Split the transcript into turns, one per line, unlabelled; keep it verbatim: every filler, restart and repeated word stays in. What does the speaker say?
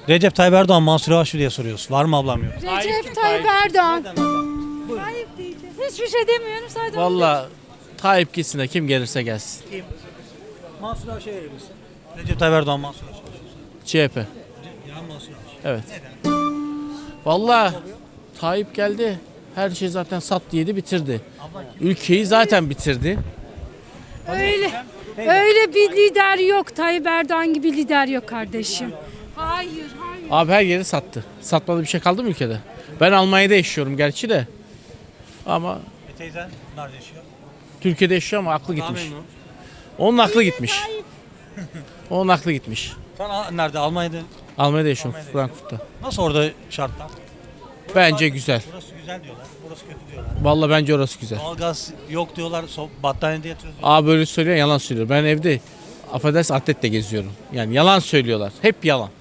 Recep Tayyip Erdoğan, Mansur Yavaş diye soruyoruz. Var mı ablam yok?
Recep Tayyip Erdoğan. Tayyip diyeceğiz. Hiçbir şey demiyorum sadece.
Valla Tayyip gitsin de kim gelirse gelsin.
Mansur Yavaş'a verir misin? Recep Tayyip Erdoğan, Mansur Yavaş.
C H P.
Ya Mansur Yavaş.
Evet. Valla Tayyip geldi. Her şey zaten sattı yedi bitirdi. Ülkeyi zaten bitirdi.
Öyle. Öyle bir lider yok. Tayyip Erdoğan gibi lider yok kardeşim. Hayır, hayır.
Abi her yeri sattı. Satmadı bir şey kaldı mı ülkede? Ben Almanya'da yaşıyorum gerçi de. Ama
E teyzen nerede yaşıyor?
Türkiye'de yaşıyor ama aklı gitmiş. Onun aklı gitmiş. Onun aklı gitmiş.
Sen a- nerede? Almanya'da.
Almanya'da yaşıyorum Frankfurt'ta.
Nasıl orada şartlar?
Bence güzel.
Burası güzel diyorlar. Burası kötü diyorlar.
Vallahi bence orası güzel.
Doğalgaz yok diyorlar. So battaniyede yatıyoruz diyorlar.
Abi böyle söylüyor yalan söylüyor. Ben evde affedersin atletle geziyorum. Yani yalan söylüyorlar. Hep yalan.